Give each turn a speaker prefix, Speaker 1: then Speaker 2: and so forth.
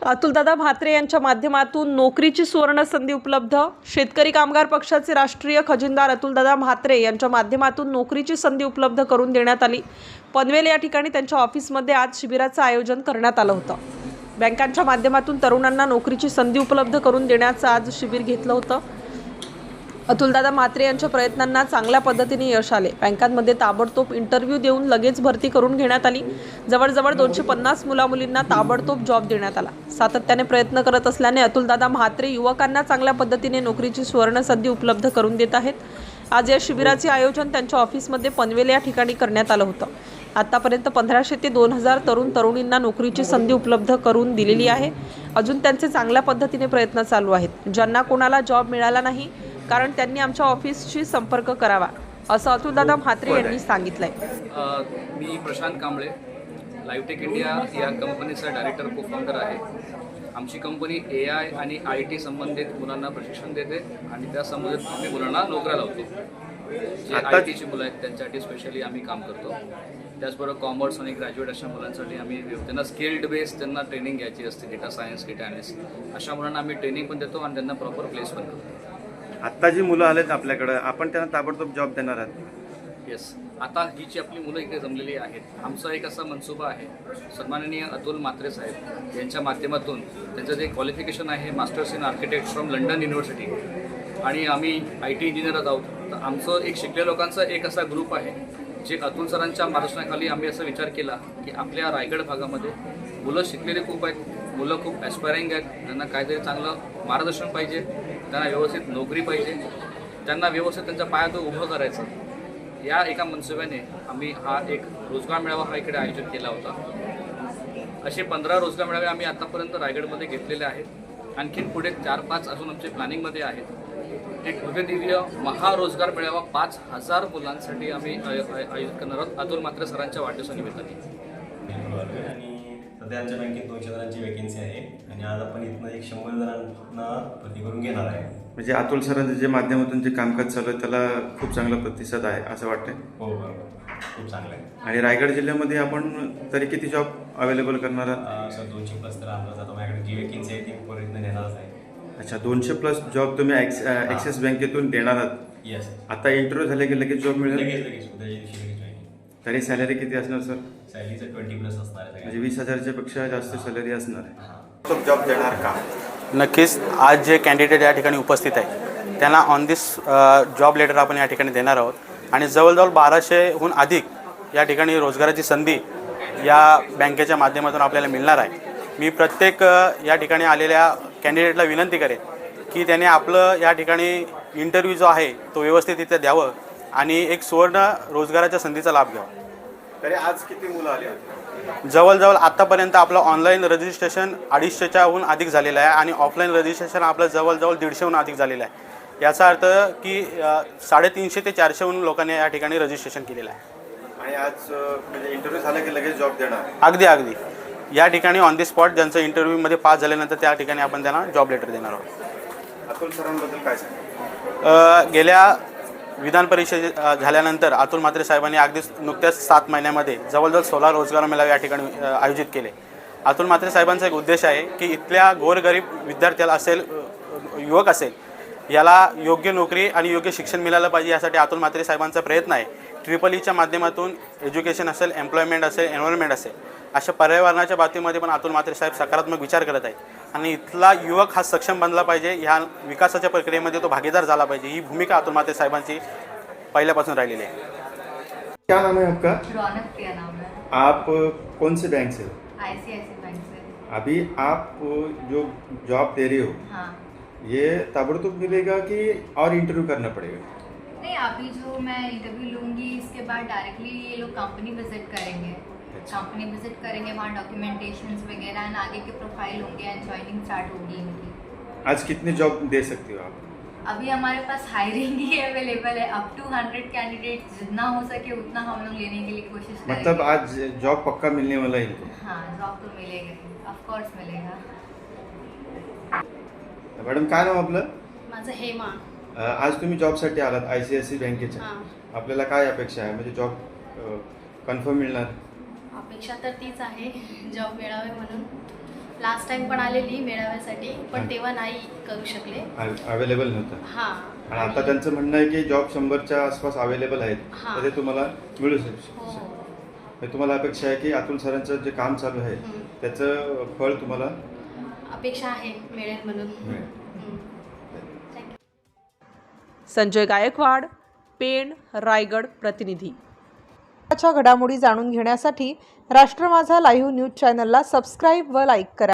Speaker 1: अतुलदादा म्हात्रे यांच्या माध्यमातून नोकरीची सुवर्ण संधी उपलब्ध। शेतकरी कामगार पक्षाचे राष्ट्रीय खजिनदार अतुलदादा म्हात्रे यांच्या माध्यमातून नोकरीची संधी उपलब्ध करून देण्यात आली। पनवेल या ठिकाणी त्यांच्या ऑफिसमध्ये आज शिबिराचं आयोजन करण्यात आलं होतं। बँकांच्या माध्यमातून तरुणांना नोकरीची संधी उपलब्ध करून देण्याचं आज शिबिर घेतलं होतं। अतुलदादा म्हात्रे यांच्या प्रयत्नांना चांगल्या पद्धतीने यश आले। बँकांमध्ये ताबडतोब इंटरव्ह्यू देऊन लगेच भरती करून घेण्यात आली। जवळजवळ 250 मुलामुलींना ताबडतोब जॉब देण्यात आला। सातत्याने प्रयत्न करत असल्याने अतुलदादा म्हात्रे युवकांना चांगल्या पद्धतीने नोकरीची सुवर्ण संधी उपलब्ध करून देत आहेत। आज या शिबिराचे आयोजन त्यांच्या ऑफिसमध्ये पनवेल या ठिकाणी करण्यात आलं होतं। आतापर्यंत 1500 ते 2000 तरुणींना नोकरीची संधी उपलब्ध करून दिलेली आहे। अजून त्यांचे चांगल्या पद्धतीने प्रयत्न चालू आहेत। ज्यांना कोणाला जॉब मिळाला नाही कारण त्यांनी आमच्या ऑफिसशी संपर्क करावा, असं अतुलदादा म्हात्रे यांनी सांगितलंय।
Speaker 2: मी प्रशांत कांबळे, लाईव्हटेक इंडिया या कंपनीचा डायरेक्टर को फाउंडर आहे। आमची कंपनी AI आणि IT संबंधित मुलांना प्रशिक्षण देते आणि त्या संबंधित आम्ही मुलांना नोकऱ्या लावतो। जे ITची मुलं आहेत त्यांच्यासाठी स्पेशली आम्ही काम करतो। त्याचबरोबर कॉमर्स आणि ग्रॅज्युएट अशा मुलांसाठी आम्ही त्यांना स्किल्ड बेस त्यांना ट्रेनिंग घ्यायची असते, डेटा सायन्स, डेटा ॲनालिस्ट अशा मुलांना आम्ही ट्रेनिंग पण देतो आणि त्यांना प्रॉपर प्लेस पण करतो।
Speaker 3: आत्ता जी मुलं आलेत आपल्याकडे, आपण त्यांना ताबडतोब जॉब देणार आहात?
Speaker 2: येस, आता ही जी आपली मुलं इकडे जमलेली आहेत, आमचा एक असा मनसुबा आहे, सन्माननीय अतुल म्हात्रे साहेब यांच्या माध्यमातून त्यांचं जे क्वालिफिकेशन आहे masters in architect from London university आणि आम्ही IT इंजिनियरच आहोत। तर आमचं एक शिकलेल्या लोकांचा एक असा ग्रुप आहे जे अतुल सरांच्या मार्गदर्शनाखाली आम्ही असा विचार केला की आपल्या रायगड भागामध्ये मुलं शिकलेले खूप आहेत, मुलं खूप ॲस्पायरिंग आहेत, त्यांना काहीतरी चांगलं मार्गदर्शन पाहिजे, त्यांना व्यवस्थित नोकरी पाहिजे, त्यांना व्यवस्थित त्यांच्या पायात उभं करायचं। या एका मनसुब्याने आम्ही हा एक रोजगार मेळावा हा इकडे आयोजित केला होता। असे 15 रोजगार मेळावे आम्ही आतापर्यंत रायगडमध्ये घेतलेले आहेत। आणखीन पुढे 4-5 अजून आमचे प्लॅनिंगमध्ये आहेत। एक भव्यदिव्य महारोजगार मेळावा 5000 मुलांसाठी आम्ही आयोजित करणार आहोत अतुल म्हात्रे सरांच्या वाढदिवसानिमित्ताने।
Speaker 4: सध्या आमच्या बँकेत 200 जणांची वॅकेन्सी आहे आणि आज आपण इथनं 100 जणांना भरती करून घेणार आहे।
Speaker 3: म्हणजे अतुल सरांच्या जे माध्यमातून जे कामकाज चालू आहे त्याला खूप चांगला प्रतिसाद आहे असं वाटतंय?
Speaker 4: हो बरोबर, खूप चांगलं आहे।
Speaker 3: आणि रायगड जिल्ह्यामध्ये आपण तरी किती जॉब अवेलेबल करणार आहात?
Speaker 4: सर 200+ तर आणलं जातं। माझ्याकडे जी वॅकेन्सी आहे ती परत नेणारच आहे।
Speaker 3: अच्छा, 200+ जॉब तुम्ही ॲक्सिस बँकेतून देणार आहात?
Speaker 4: येस।
Speaker 3: आता इंटरव्ह्यू झाले की लगेच जॉब मिळेल?
Speaker 4: लगेच उद्याच्या दिवशी लगेच जॉईनिंग।
Speaker 3: तरी सॅलरी किती असणार सर?
Speaker 4: सॅलरीचं 20+ असणार आहे,
Speaker 3: म्हणजे 20,000च्या पेक्षा जास्त सॅलरी असणार आहे। जॉब देणार का?
Speaker 5: नक्कीच। आज जे कॅन्डिडेट या ठिकाणी उपस्थित आहे त्यांना ऑन दिस जॉब लेटर आपण या ठिकाणी देणार आहोत आणि जवळजवळ 1200हून अधिक या ठिकाणी रोजगाराची संधी या बँकेच्या माध्यमातून आपल्याला मिळणार आहे। मी प्रत्येक या ठिकाणी आलेल्या कॅन्डिडेटला विनंती करेन की त्याने आपलं या ठिकाणी इंटरव्ह्यू जो आहे तो व्यवस्थितरित्या द्यावं आणि एक सुवर्ण रोजगाराच्या संधीचा लाभ घ्यावा।
Speaker 3: तरी आज किती मुलं आली होती?
Speaker 5: जवळजवळ आत्तापर्यंत आपलं ऑनलाईन रजिस्ट्रेशन 250च्याहून अधिक झालेलं आहे आणि ऑफलाईन रजिस्ट्रेशन आपलं जवळजवळ 150हून अधिक झालेलं आहे। याचा अर्थ की 350 ते 400हून लोकांनी या ठिकाणी रजिस्ट्रेशन केलेलं आहे।
Speaker 3: आणि आज म्हणजे इंटरव्ह्यू झाला की लगेच जॉब देणार?
Speaker 5: अगदी या ठिकाणी ऑन दी स्पॉट ज्यांचं इंटरव्ह्यूमध्ये पास झाल्यानंतर त्या ठिकाणी आपण त्यांना जॉब लेटर देणार आहोत।
Speaker 3: अतुल सरांबद्दल काय सांगा?
Speaker 5: गेल्या विधान परिषद झाल्यानंतर अतुल म्हात्रे साहेबांनी अगदीच नुकत्याच 7 महिन्यामध्ये जवळजवळ 16 रोजगार मेळावे या ठिकाणी आयोजित केले। अतुल म्हात्रे साहेबांचा एक उद्देश आहे की इथल्या गोरगरीब विद्यार्थ्याला असेल, युवक असेल, याला योग्य नोकरी आणि योग्य शिक्षण मिळालं पाहिजे, यासाठी अतुल म्हात्रे साहेबांचा प्रयत्न आहे। EEEच्या माध्यमातून एज्युकेशन असेल, एम्प्लॉयमेंट असेल, एन्व्हायरमेंट असेल, अशा पर्यावरणाच्या बाबतीमध्ये पण अतुल म्हात्रे साहेब सकारात्मक विचार करत आहेत आणि इथला युवक हा सक्षम बनला पाहिजे, ह्या विकासाच्या प्रक्रियेमध्ये तो भागीदार झाला पाहिजे, ही भूमिका अतुल म्हात्रे साहेबांची पहिल्यापासून राहिलेली आहे।
Speaker 3: क्या नाम है आपका?
Speaker 6: रौनक प्रिया नाम है।
Speaker 3: आप कौन से बैंक से हो?
Speaker 6: ICICI बैंक से।
Speaker 3: अभी आप जो जॉब दे रहे हो,
Speaker 6: हाँ।
Speaker 3: ये ताबड़तोड़ मिलेगा कि और इंटरव्यू करना पड़ेगा?
Speaker 6: नहीं, अभी जो मैं इंटरव्यू लूँगी इसके बाद डायरेक्टली ये लोग कंपनी विजिट करेंगे। कंपनी विजिट करेंगे, वहाँ डॉक्यूमेंटेशंस वगैरह एंड आगे के प्रोफाइल होंगे एंड ज्वाइनिंग स्टार्ट होगी इनकी।
Speaker 3: आज कितने जॉब दे सकते हो आप?
Speaker 6: अभी हमारे पास हायरिंग ही अवेलेबल है, अप टू 100 कैंडिडेट, जितना हो सके उतना हम लोग लेने के लिए कोशिश करेंगे।
Speaker 3: मतलब आज जॉब पक्का मिलने वाला है इनको?
Speaker 6: हाँ, जॉब तो मिलेगा, ऑफकोर्स मिलेगा।
Speaker 3: मॅडम काय नाव आपलं?
Speaker 7: माझं हेमा।
Speaker 3: आज तुम्ही जॉबसाठी आलात ICICI बँकेच्या,
Speaker 7: हां,
Speaker 3: आपल्याला काय अपेक्षा आहे? म्हणजे जॉब कन्फर्म मिळणार?
Speaker 7: अपेक्षा तर तीच आहे, जॉब मिळावे म्हणून लास्ट टाइम पण आलेली मेळाव्यासाठी पण तेव्हा नाही करू शकले.
Speaker 3: अवेलेबल नव्हतं
Speaker 7: हां
Speaker 3: आणि आता त्यांचं म्हणणं आहे की जॉब 100च्या आसपास अवेलेबल आहेत
Speaker 7: हां.
Speaker 3: तर ते तुम्हाला मिळू
Speaker 7: हो
Speaker 3: शकते. तुम्हाला अपेक्षा आहे की अतुल सरांचं जे काम चालू आहे त्याचं फळ तुम्हाला
Speaker 7: अपेक्षा आहे मिळेल म्हणून.
Speaker 3: मिळेल.
Speaker 7: थँक्यू.
Speaker 1: संजय गायकवाड, पेण, रायगड प्रतिनिधी. च्या घडामोडी जाणून घेण्यासाठी राष्ट्र माझा लाईव्ह न्यूज चॅनलला सबस्क्राईब व लाईक करा.